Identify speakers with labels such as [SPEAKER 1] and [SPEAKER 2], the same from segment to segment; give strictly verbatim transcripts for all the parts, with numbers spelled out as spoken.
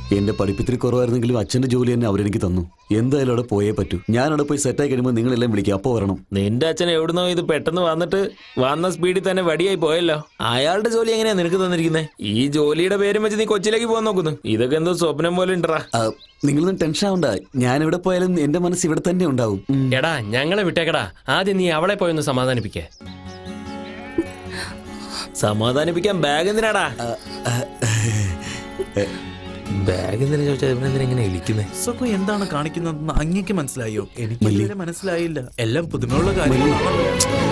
[SPEAKER 1] എന്റെ പഠിപ്പത്തിരി കുറവായിരുന്നെങ്കിലും അച്ഛന്റെ ജോലി തന്നെ അവരെനിക്ക് തന്നു. എന്തായാലും അവിടെ പോയേ പറ്റൂ. ഞാൻ അവിടെ പോയി സെറ്റായി കഴിയുമ്പോൾ നിങ്ങളെല്ലാം വിളിക്കുക, അപ്പോ വരണം.
[SPEAKER 2] നിന്റെ അച്ഛൻ എവിടുന്നോ ഇത് പെട്ടെന്ന് വന്നിട്ട് വന്ന സ്പീഡിൽ തന്നെ വടിയായി പോയല്ലോ. അയാളുടെ ജോലി എങ്ങനെയാ നിനക്ക് തന്നിരിക്കുന്നത്? ഈ ജോലിയുടെ പേരും വെച്ച് നീ കൊച്ചിയിലേക്ക് പോകാൻ നോക്കുന്നു. ഇതൊക്കെ എന്തോ സ്വപ്നം പോലെ ഉണ്ടാ.
[SPEAKER 1] നിങ്ങളൊന്നും ടെൻഷൻ ആവണ്ട, ഞാൻ എവിടെ പോയാലും എന്റെ മനസ്സ് ഇവിടെ തന്നെ ഉണ്ടാവും.
[SPEAKER 3] എടാ ഞങ്ങളെ വിട്ടേക്കടാ, ആദ്യം നീ അവളെ പോയൊന്ന് സമാധാനിപ്പിക്കേ.
[SPEAKER 2] സമാധാനിപ്പിക്കാൻ ബാഗ് എന്തിനാടാ? ബാഗ് എന്തിനാ ചോദിച്ചാൽ ഇവനെന്തിനാ ഇങ്ങനെ ഇരിക്കുന്നേ?
[SPEAKER 4] സുഖു എന്താണ് കാണിക്കുന്നതെന്ന് അങ്ങേക്ക് മനസ്സിലായോ? എനിക്ക് ഇതുവരെ മനസ്സിലായില്ല. എല്ലാം പുതുമയുള്ള കാര്യങ്ങളാണല്ലോ.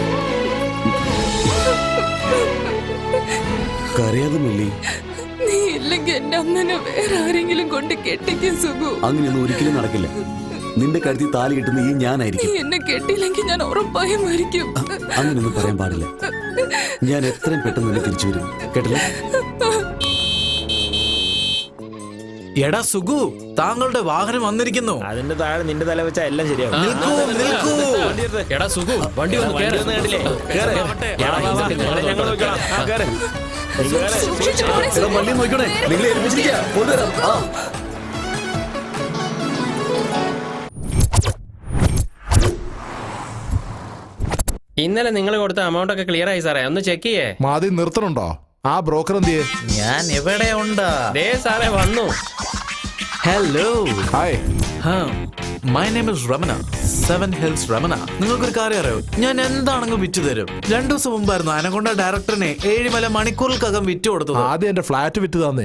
[SPEAKER 1] കരയാതെ മില്ലി,
[SPEAKER 5] നീ ഇല്ലെങ്കിൽ എന്റെ അമ്മനെ വേറെ ആരെങ്കിലും കൊണ്ട് കെട്ടിക്കും സുഖു.
[SPEAKER 1] അങ്ങനെയൊന്നും ഒരിക്കലും നടക്കില്ല. നിന്റെ കഴുത്തിൽ താലി കിട്ടുന്ന ഈ ഞാനായിരിക്കും.
[SPEAKER 5] നീ എന്നെ കെട്ടിയില്ലെങ്കിൽ ഞാൻ ഉറപ്പായും മരിക്കും.
[SPEAKER 1] അങ്ങനെയൊന്നും പറയാൻ പാടില്ല. ഞാൻ എത്രയും പെട്ടെന്ന് നിന്നെ തിരിച്ചു വരും, കേട്ടില്ലേ?
[SPEAKER 4] എടാ സുഖു, താങ്കളുടെ വാഹനം വന്നിരിക്കുന്നു.
[SPEAKER 2] അതിന്റെ താഴെ നിന്റെ തല വെച്ചാൽ എല്ലാം ശരിയാവും.
[SPEAKER 4] നിൽക്കൂ, നിൽക്കൂ.
[SPEAKER 3] എടാ സുഖു, വണ്ടി ഒന്ന് കേറ്.
[SPEAKER 2] കണ്ടില്ലേ? കേറ്. എടാ, വാ, വാ. ഞങ്ങൾ നോക്കിക്കോളാം. ആ, കേറ്. നീ കേറ്.
[SPEAKER 1] എടാ, വണ്ടി നോക്കണേ, നിങ്ങളെ ഏൽപ്പിച്ചിരിക്കുക. കൊണ്ടുവരാം. ആ
[SPEAKER 3] ഇന്നലെ നിങ്ങൾ കൊടുത്ത എമൗണ്ട് ഒക്കെ ക്ലിയർ ആയി സാറേ, ഒന്ന് ചെക്ക് ചെയ്യേ.
[SPEAKER 6] മാതി നിർത്തണുണ്ടോ? ആ ബ്രോക്കർ എന്തിയെ?
[SPEAKER 4] ഞാൻ എവിടെ ഉണ്ട്?
[SPEAKER 3] ദേ സാറേ വന്നു.
[SPEAKER 4] Hello,
[SPEAKER 6] hi.
[SPEAKER 4] My name is Ramana, seven hills Ramana. നിങ്ങൾക്കൊരു കാര്യം അറിയോ? ഞാൻ എന്താണെങ്കിലും വിറ്റ് തരും. രണ്ടു ദിവസം മുമ്പായിരുന്നു അനകൊണ്ട ഡയറക്ടറിനെ ഏഴുമല മണിക്കൂറിൽക്കകം വിറ്റ് കൊടുത്തത്.
[SPEAKER 6] ആദ്യം എന്റെ ഫ്ലാറ്റ് വിറ്റ് തന്നേ.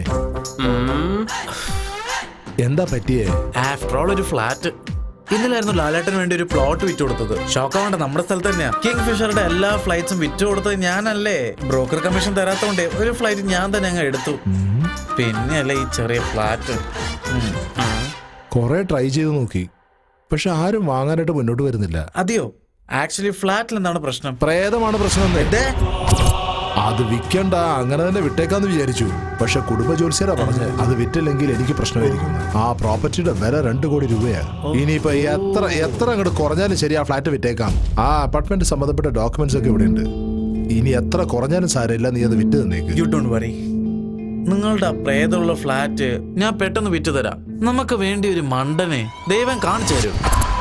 [SPEAKER 6] എന്താ പറ്റിയേ?
[SPEAKER 4] ആഫ്റ്റർ ഓൾ ഒരു ഫ്ലാറ്റ്. ഇന്നലായിരുന്നു ലാലേട്ടന് വേണ്ടി ഒരു പ്ലോട്ട് വിറ്റ് കൊടുത്തത്. ഷോക്കാവേണ്ട, നമ്മുടെ സ്ഥലത്ത് തന്നെയാ. കിങ് ഫിഷറുടെ എല്ലാ ഫ്ലൈറ്റ്സും വിറ്റ് കൊടുത്തത് ഞാനല്ലേ. ബ്രോക്കർ കമ്മീഷൻ തരാത്തോണ്ടേ ഒരു ഫ്ലൈറ്റ് ഞാൻ തന്നെ അങ്ങ് എടുത്തു. പിന്നെയല്ലേ ഈ ചെറിയ ഫ്ലാറ്റ്.
[SPEAKER 6] കൊറേ ട്രൈ ചെയ്ത് നോക്കി, പക്ഷെ ആരും വാങ്ങാനായിട്ട് മുന്നോട്ട് വരുന്നില്ല.
[SPEAKER 4] അതെയോ? ആക്ച്വലി ഫ്ലാറ്റിൽ എന്താണ് പ്രശ്നം?
[SPEAKER 6] പ്രേതമാണ് പ്രശ്നം. അത് വിൽക്കണ്ട, അങ്ങനെ തന്നെ വിട്ടേക്കാന്ന് വിചാരിച്ചു. പക്ഷെ കുടുംബ ജോലിസ്യരാ പറഞ്ഞത് അത് വിറ്റില്ലെങ്കിൽ എനിക്ക് പ്രശ്നമായിരിക്കും. ആ പ്രോപ്പർട്ടിയുടെ വില രണ്ടു കോടി രൂപയാണ്. ഇനിയിപ്പോ എത്ര എത്ര അങ്ങോട്ട് കുറഞ്ഞാലും ശരി, ആ ഫ്ലാറ്റ് വിറ്റേക്കാം. ആ അപ്പാർട്ട്മെന്റ് സംബന്ധപ്പെട്ട ഡോക്യുമെന്റ്സ് ഒക്കെ ഇവിടെ ഉണ്ട്. ഇനി എത്ര കുറഞ്ഞാലും സാരമില്ല, നീ അത് വിറ്റ് തന്നേക്ക്.
[SPEAKER 4] You don't worry. നിങ്ങളുടെ ആ പ്രേതമുള്ള ഫ്ലാറ്റ് ഞാൻ പെട്ടെന്ന് വിറ്റ് തരാം. നമുക്ക് വേണ്ടി ഒരു മണ്ടനെ ദൈവം കാണിച്ചു തരും.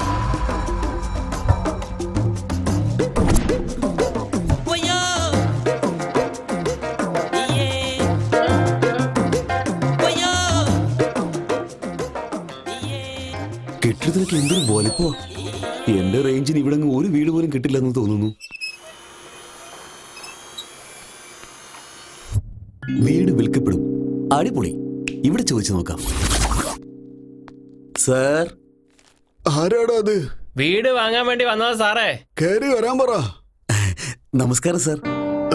[SPEAKER 1] കെട്ടിടത്തിനൊക്കെ എന്തൊരു വലിപ്പോ! എന്റെ റേഞ്ചിന് ഇവിടെ ഒരു വീട് പോലും കിട്ടില്ലെന്ന് തോന്നുന്നു. വീട് വിൽക്കപ്പെടും. അടിപൊളി. ഇവിടെ ചോദിച്ചു നോക്കാം. സാർ,
[SPEAKER 7] ആരാടാ അത്?
[SPEAKER 3] വീട് വാങ്ങാൻ വേണ്ടി വന്നതാ സാറേ.
[SPEAKER 7] കേറി വരാൻ പറ.
[SPEAKER 1] നമസ്കാരം സാർ.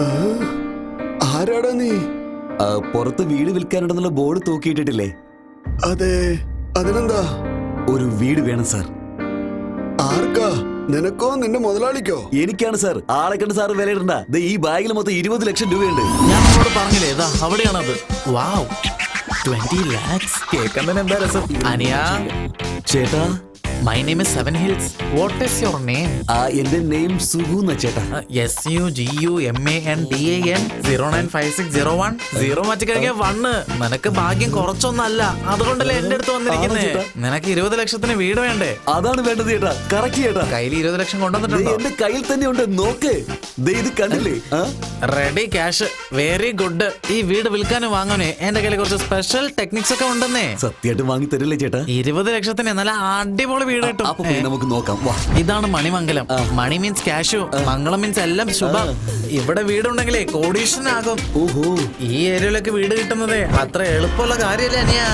[SPEAKER 7] ആരാടാ നീ?
[SPEAKER 1] പുറത്ത് വീട് വിൽക്കാനുണ്ടെന്നുള്ള ബോർഡ് തൂക്കിയിട്ടിട്ടില്ലേ?
[SPEAKER 7] അതെ, അതിനെന്താ?
[SPEAKER 1] ഒരു വീട് വേണം സാർ.
[SPEAKER 7] ആർക്കാ? നിനക്കോ നിന്റെ മുതലാളിക്കോ?
[SPEAKER 1] എനിക്കാണ് സാർ. ആളെ കണ്ട് സാർ വിലയിടണ്ട. ഈ ബാഗിൽ മൊത്തം ഇരുപത് ലക്ഷം രൂപയുണ്ട്.
[SPEAKER 4] ഞാൻ നിങ്ങളോട് പറഞ്ഞില്ലേ, ഇതാ അവിടെയാണത്. വാവ്, ട്വന്റി ലാക്സ്. കേൾക്കാൻ തന്നെ എന്താ രസം. അനിയാ
[SPEAKER 1] ചേട്ടാ,
[SPEAKER 4] my name is seven hills. What is your name?
[SPEAKER 1] എന്റെ നെയിം സുഗു എന്നാ ചേട്ടാ.
[SPEAKER 4] S U G U M A N D A N zero nine five six zero one. Zero മാറ്റി കഴിഞ്ഞാൽ വണ്ണ്. നിനക്ക് ഭാഗ്യം കുറച്ചൊന്നല്ല, അതുകൊണ്ടല്ലേ എന്റെ അടുത്ത് വന്നിരിക്കുന്നത്. നിനക്ക് ഇരുപത് ലക്ഷത്തിന് വീട് വേണ്ടേ?
[SPEAKER 1] അതാണ് വേണ്ടത് ചേട്ടാ. കറക്റ്റ് ചേട്ടാ.
[SPEAKER 4] കയ്യിൽ ഇരുപത് ലക്ഷം കൊണ്ടുവന്നിട്ടുണ്ടോ?
[SPEAKER 1] എന്റെ കയ്യിൽ തന്നെ ഉണ്ട്, നോക്ക്. ഇത് കണ്ടില്ലേ?
[SPEAKER 4] Ready cash. Very good. ഈ വീട് വിൽക്കാനും വാങ്ങാനേ എന്റെ കയ്യിൽ കുറച്ച് സ്പെഷ്യൽ ടെക്നിക്സ് ഒക്കെ ഉണ്ടെന്നേ.
[SPEAKER 1] സത്യമായിട്ട് വാങ്ങി തരില്ലേ ചേട്ടാ?
[SPEAKER 4] ഇരുപത് ലക്ഷത്തിന് നല്ല അടിപൊളി വീട് കിട്ടും.
[SPEAKER 1] നമുക്ക് നോക്കാം.
[SPEAKER 4] ഇതാണ് Manimangalam. Money means cash, Mangalam means എല്ലാം ശുഭം. ഇവിടെ വീടുണ്ടെങ്കിലേ കോടീശ്വരനാകും.
[SPEAKER 1] ഓഹോ,
[SPEAKER 4] ഈ ഏരിയയിലൊക്കെ വീട് കിട്ടുന്നതേ അത്ര എളുപ്പമുള്ള കാര്യമല്ലേ അനിയാ?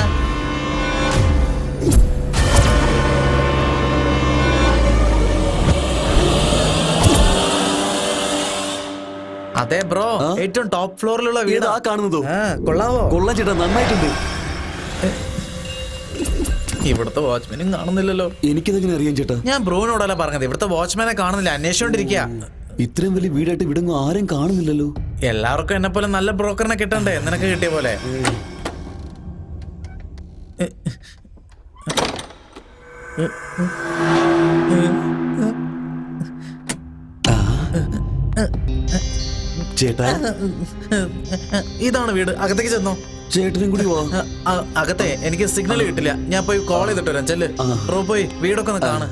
[SPEAKER 4] അതെ ബ്രോ, ഏറ്റവും ടോപ്പ് ഫ്ലോറിലുള്ള വീട്
[SPEAKER 1] ആ കാണുന്നതോ?
[SPEAKER 4] കൊള്ളാവോ?
[SPEAKER 1] കൊള്ളാം ചേട്ടാ, നന്നായിട്ടുണ്ട്.
[SPEAKER 4] ഇവിടുത്തെ വാച്ച്മാനും കാണുന്നില്ലല്ലോ.
[SPEAKER 1] എനിക്കിതെങ്ങനെ അറിയാൻ ചേട്ടാ?
[SPEAKER 4] ഞാൻ ബ്രോനോടല്ല പറഞ്ഞത്, ഇവിടുത്തെ വാച്ച്മാനെ കാണുന്നില്ല, അന്വേഷിച്ചോണ്ടിരിക്കുക.
[SPEAKER 1] ഇത്രയും വലിയ വീടായിട്ട് ഇവിടെ ആരും കാണുന്നില്ലല്ലോ.
[SPEAKER 4] എല്ലാവർക്കും എന്നെ പോലെ നല്ല ബ്രോക്കറിനെ കിട്ടണ്ടേ, നിനക്ക് കിട്ടിയ പോലെ.
[SPEAKER 1] ചേട്ടാ,
[SPEAKER 4] ഇതാണ് വീട്. അകത്തേക്ക് ചെന്നോ.
[SPEAKER 1] ചേട്ടനും കൂടി വാ.
[SPEAKER 4] അ- അ- അകത്തെ എനിക്ക് സിഗ്നൽ കിട്ടില്ല. ഞാൻ പോയി കോൾ ചെയ്തിട്ട് വരാം. ചെല്ല് ബ്രോ, പോയി വീടൊക്കെ ഒന്ന് കാണ്.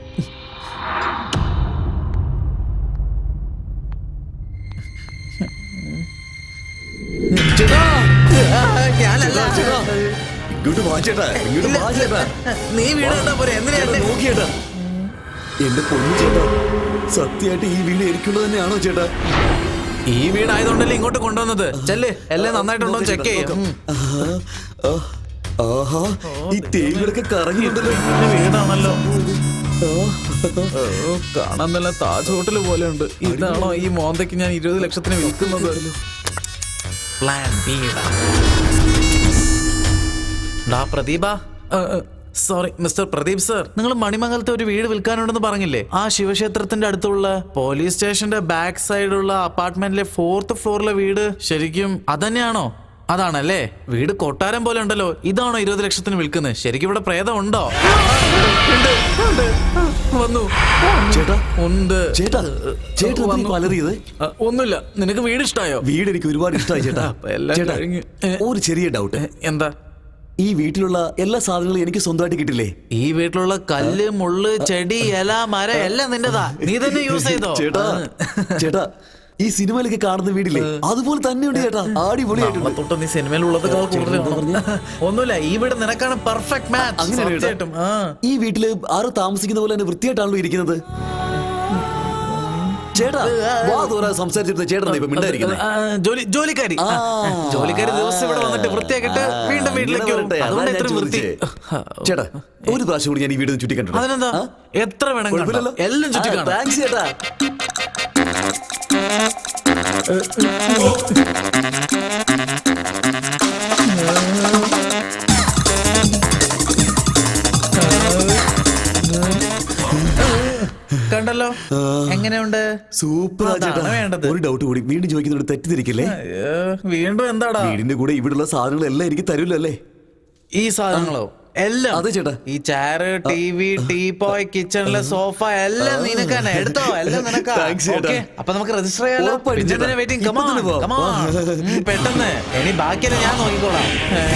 [SPEAKER 4] ചേട്ടാ, ഞാനല്ല.
[SPEAKER 1] ഇങ്ങോട്ട് വാ ചേട്ടാ, ഇങ്ങോട്ട് വാ ചേട്ടാ.
[SPEAKER 4] നീ വീട് കണ്ടാ പോരെ, എന്തിനാ
[SPEAKER 1] ചേട്ടാ,
[SPEAKER 4] എന്നെ-
[SPEAKER 1] നോക്ക് ചേട്ടാ. എന്റെ പൊന്നു ചേട്ടാ, സത്യമായിട്ട് ഈ വീട് എനിക്കുള്ളത് തന്നെയാണോ ചേട്ടാ?
[SPEAKER 4] ഈ വീടായതുകൊണ്ടല്ലേ ഇങ്ങോട്ട് കൊണ്ടുവന്നത്. ചെല്ല്, എല്ലാം നന്നായിട്ടുണ്ടോ ചെക്ക് ചെയ്യാം.
[SPEAKER 1] ആ, ആഹാ, ഈ ടേബിളൊക്കെ കറങ്ങിയിട്ടുണ്ടല്ലോ.
[SPEAKER 4] വീടാണല്ലോ. ഓ, കാണാൻ നല്ല താജ് ഹോട്ടൽ പോലെ ഉണ്ട്. ഇതാണോ ഈ മോന്തയ്ക്ക് ഞാൻ ഇരുപത് ലക്ഷത്തിന് വിൽക്കുന്നത്? Plan B. ഡാ പ്രദീപ, സോറി മിസ്റ്റർ പ്രദീപ് സർ, നിങ്ങൾ മണിമംഗലത്തെ ഒരു വീട് വിൽക്കാനുണ്ടെന്ന് പറഞ്ഞില്ലേ? ആ ശിവക്ഷേത്രത്തിന്റെ അടുത്തുള്ള പോലീസ് സ്റ്റേഷന്റെ ബാക്ക് സൈഡുള്ള അപ്പാർട്ട്മെന്റിലെ ഫോർത്ത് ഫ്ലോറിലെ വീട് ശരിക്കും അതന്നെയാണോ? അതാണല്ലേ. വീട് കൊട്ടാരം പോലെ ഉണ്ടല്ലോ. ഇതാണോ ഇരുപത് ലക്ഷത്തിന് വിൽക്കുന്നത്? ശരിക്കും ഇവിടെ പ്രേതം ഉണ്ടോ? ഉണ്ട്, ഉണ്ട്. വന്നു.
[SPEAKER 1] ചേട്ടാ
[SPEAKER 4] ഉണ്ട്.
[SPEAKER 1] ചേട്ടാ ചേട്ടാ എന്തിനാ ഈ അലറിയത്?
[SPEAKER 4] അ, ഒന്നുമില്ല. നിനക്ക് വീട് ഇഷ്ടായോ?
[SPEAKER 1] വീട് എനിക്ക് ഒരുപാട് ഇഷ്ടമായി ചേട്ടാ.
[SPEAKER 4] അപ്പൊ എല്ലാം
[SPEAKER 1] ചേട്ടാ,
[SPEAKER 4] കഴിഞ്ഞ്. ഏ.
[SPEAKER 1] ഒരു ചെറിയ ഡൗട്ട്.
[SPEAKER 4] എന്താ?
[SPEAKER 1] ഈ വീട്ടിലുള്ള എല്ലാ സാധനങ്ങളും എനിക്ക് സ്വന്തമായിട്ട് കിട്ടില്ലേ?
[SPEAKER 4] ഈ വീട്ടിലുള്ള കല്ല്, മുള്ള്, ചെടി, ഇല, മരം എല്ലാം നിന്റെതാ. നീ തന്നെ യൂസ് ചെയ്തോ?
[SPEAKER 1] ചേട്ടാ ചേട്ടാ, ഈ സിനിമയിലൊക്കെ കാണുന്ന വീടില്ലേ, അതുപോലെ തന്നെയുണ്ട് ചേട്ടാ. അടിപൊളിയായിട്ടുണ്ട്.
[SPEAKER 4] തൊട്ട് നീ സിനിമയിലുള്ളത് ഒന്നുമില്ല. ഈ വീട് നിനക്കാണ് പെർഫെക്റ്റ് മാച്ച്.
[SPEAKER 1] അങ്ങനെയാണ് ചേട്ടാ.
[SPEAKER 4] തീർച്ചയായിട്ടും. ആ.
[SPEAKER 1] ഈ വീട്ടില് ആരും താമസിക്കുന്ന പോലെ തന്നെ വൃത്തിയായിട്ടാണല്ലോ ഇരിക്കുന്നത്. ചേട്ടാ വാ തോരാ സംസാരിച്ചിട്ട് ചേട്ടൻ ഇപ്പൊ മിണ്ടായിരിക്കുന്നത്.
[SPEAKER 4] ആ, ജോലി ജോലിക്കാരി
[SPEAKER 1] ആ.
[SPEAKER 4] ജോലിക്കാരി ദിവസം ഇവിടെ വന്നിട്ട് വൃത്തിയാക്കിട്ട് വീണ്ടും വീട്ടിലേക്ക് പോകും. അതുകൊണ്ട് എത്ര വൃത്തി.
[SPEAKER 1] ചേട്ടാ ഒരു പ്രാവശ്യം കൂടി ഞാൻ ഈ വീട് ചുറ്റി കണ്ടു.
[SPEAKER 4] അതിനെന്താ, എത്ര വേണം കണ്ടോ? എല്ലാം ചുറ്റി കാണാം.
[SPEAKER 1] താങ്ക്സ് ചേട്ടാ.
[SPEAKER 4] കണ്ടല്ലോ എങ്ങനെയുണ്ട്?
[SPEAKER 1] സൂപ്പർ ചേട്ടാ.
[SPEAKER 4] അതാണ് വേണ്ടത്.
[SPEAKER 1] ഒരു ഡൗട്ട് കൂടി, വീണ്ടും ചോദിക്കുന്നോട് തെറ്റിദ്ധരിക്കില്ലേ?
[SPEAKER 4] അയ്യോ, വീണ്ടും എന്താടാ?
[SPEAKER 1] വീടിന്റെ കൂടെ ഇവിടുള്ള സാധനങ്ങളെല്ലാം എനിക്ക് തരൂല്ലോ അല്ലേ?
[SPEAKER 4] ഈ സാധനങ്ങളോ? എല്ലാം.
[SPEAKER 1] അതെ ചേട്ടാ.
[SPEAKER 4] ഈ ചെയറ്, ടി വി, ടീപോയ്, കിച്ചണിലെ സോഫ എല്ലാം നിനക്ക് തന്നെ. എടുത്തോ, എല്ലാം നിനക്കാ.
[SPEAKER 1] Thanks ചേട്ടാ.
[SPEAKER 4] Okay, അപ്പൊ നമുക്ക് രജിസ്റ്റർ ചെയ്യാലോ.
[SPEAKER 1] ഉറപ്പായിട്ടും ചേട്ടാ.
[SPEAKER 4] വെയിറ്റിംഗ്.
[SPEAKER 1] ഇപ്പൊ തന്നെ പോവാം.
[SPEAKER 4] പെട്ടെന്ന്. ഇനി ബാക്കിയെല്ലാം ഞാൻ നോക്കിക്കോളാം.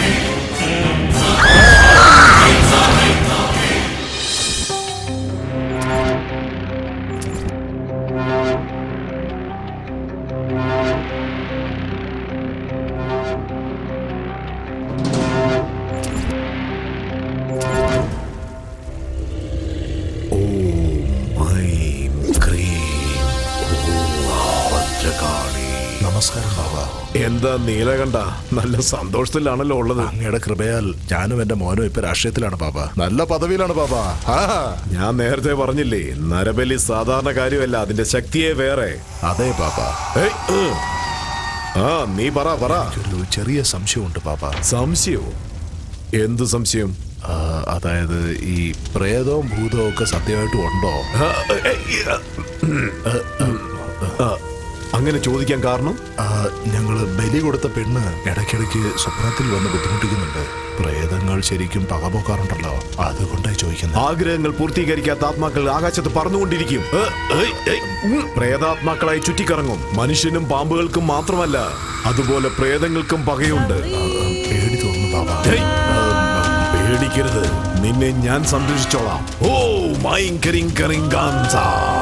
[SPEAKER 6] നമസ്കാരം ബാബ.
[SPEAKER 8] എന്താ നീലകണ്ഠ, നല്ല സന്തോഷത്തിലാണല്ലോ ഉള്ളത്.
[SPEAKER 6] അങ്ങയുടെ കൃപയാൽ ഞാനും എന്റെ മോനും ഇപ്പൊ രാഷ്ട്രീയത്തിലാണ് ബാബ. നല്ല പദവിയിലാണ് ബാബ. ആ,
[SPEAKER 8] ഞാൻ നേരത്തെ പറഞ്ഞില്ലേ, നരബലി സാധാരണ കാര്യമല്ല, അതിന്റെ ശക്തിയെ വേറെ.
[SPEAKER 6] അതെ ബാബ.
[SPEAKER 8] ഏയ്, ഉം. ആ നീ പറ പറ.
[SPEAKER 6] ഒരു ചെറിയ സംശയമുണ്ട് ബാബ.
[SPEAKER 8] സംശയവും? എന്ത് സംശയം?
[SPEAKER 6] ആ, അതായത് ഈ പ്രേതവും ഭൂതവും ഒക്കെ സത്യമായിട്ടും ഉണ്ടോ?
[SPEAKER 8] ആ, ഏയ്, ആ, അങ്ങനെ ചോദിക്കാൻ കാരണം?
[SPEAKER 6] ആ, ഞങ്ങള് ബലി കൊടുത്ത പെണ്ണ് ഇടയ്ക്കിടയ്ക്ക് സ്വപ്നത്തിൽ വന്ന് ബുദ്ധിമുട്ടിക്കുന്നുണ്ട്. പ്രേതങ്ങൾ ശരിക്കും പകപോക്കാറുണ്ടല്ലോ, അതുകൊണ്ടായി ചോദിക്കുന്നത്.
[SPEAKER 8] ആഗ്രഹങ്ങൾ പൂർത്തീകരിക്കാത്ത ആത്മാക്കൾ ആകാശത്ത് പറന്നുകൊണ്ടിരിക്കും. ഏ, ഏയ്, ഏയ്, ഉം. പ്രേതാത്മാക്കളായി ചുറ്റിക്കറങ്ങും. മനുഷ്യനും പാമ്പുകൾക്കും മാത്രമല്ല, അതുപോലെ പ്രേതങ്ങൾക്കും പകയുണ്ട്.
[SPEAKER 6] ആ, പേടി തോന്നുന്നു ബാബ.
[SPEAKER 8] ഏയ്, പേടിക്കരുത്, നിന്നെ ഞാൻ സംരക്ഷിച്ചോളാം. Oh my കരിങ് കരിങ് ഗാൻസ.